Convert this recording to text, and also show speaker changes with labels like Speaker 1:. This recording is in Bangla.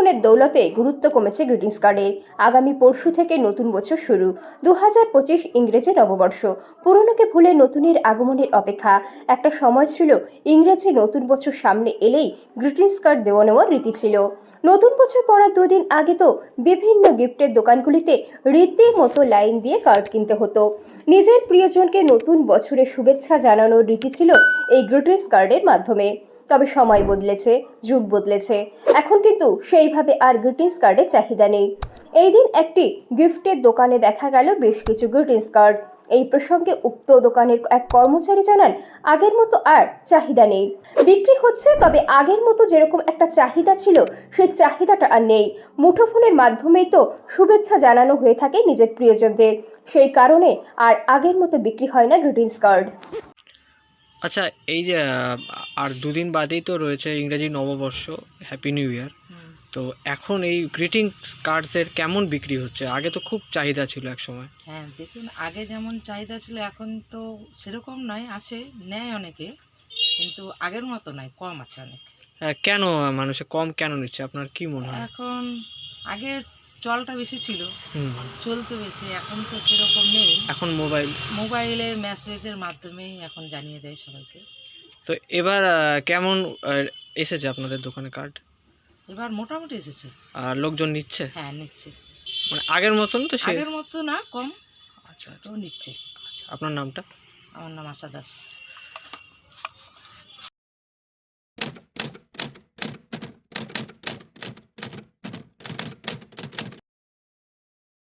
Speaker 1: ফোনের দৌলতে গুরুত্ব কমেছে গ্রিটিংস কার্ডের। আগামী পরশু থেকে নতুন বছর শুরু, 2025 ইংরেজি নববর্ষ। পুরনোকে ভুলে নতুনের আগমনের অপেক্ষা। একটা সময় ছিল ইংরেজি নতুন বছর সামনে এলেই গ্রিটিংস কার্ড দেওয়া নেওয়ার রীতি ছিল। নতুন বছর পড়ার দুদিন আগে তো বিভিন্ন গিফটের দোকানগুলিতে রীতিমতো লাইন দিয়ে কার্ড কিনতে হতো। নিজের প্রিয়জনকে নতুন বছরের শুভেচ্ছা জানানোর রীতি ছিল এই গ্রিটিংস কার্ডের মাধ্যমে। তবে সময় বদলেছে, যুগ বদলেছে, এখন কিন্তু সেইভাবে আর গ্রিটিংস কার্ডের চাহিদা নেই। এই দিন একটি গিফটের দোকানে দেখা গেল বেশ কিছু গ্রিটিংস কার্ড। এই প্রসঙ্গে উক্ত দোকানের এক কর্মচারী জানান, আগের মতো আর চাহিদা নেই। বিক্রি হচ্ছে, তবে আগের মতো যেরকম একটা চাহিদা ছিল সেই চাহিদাটা আর নেই। মুঠোফোনের মাধ্যমেই তো শুভেচ্ছা জানানো হয়ে থাকে নিজের প্রিয়জনদের, সেই কারণে আর আগের মতো বিক্রি হয় না গ্রিটিংস কার্ড।
Speaker 2: আচ্ছা, এই যে আর দুদিন বাদেই তো রয়েছে ইংরেজি নববর্ষ, হ্যাপি নিউ ইয়ার। তো এখন এই গ্রিটিংস কার্ডসের কেমন বিক্রি হচ্ছে? আগে তো খুব চাহিদা ছিল এক সময়।
Speaker 3: হ্যাঁ, দেখুন, আগে যেমন চাহিদা ছিল এখন তো সেরকম নয়, আছে, নেয় অনেকে, কিন্তু আগের মতো নয়, কম আছে অনেক।
Speaker 2: কেন মানুষে কম কেন নিচ্ছে, আপনার কি মনে হয়?
Speaker 3: এখন আগে চলটা বেশি ছিল,
Speaker 2: হুম,
Speaker 3: চলতো বেশি, এখন তো সেরকম নেই।
Speaker 2: এখন
Speaker 3: মোবাইলের মেসেজের মাধ্যমেই এখন জানিয়ে দেয় সবাইকে।
Speaker 2: তো এবার কেমন এসেছে আপনাদের দোকানে কার্ড?
Speaker 3: এবার মোটামুটি এসেছে।
Speaker 2: আর লোকজন নিচ্ছে?
Speaker 3: হ্যাঁ, নিচ্ছে।
Speaker 2: মানে আগের মতন তো
Speaker 3: আগের মতো না, কম।
Speaker 2: আচ্ছা,
Speaker 3: তো নিচ্ছে।
Speaker 2: আচ্ছা, আপনার নামটা?
Speaker 3: আমার নাম আশা দাস।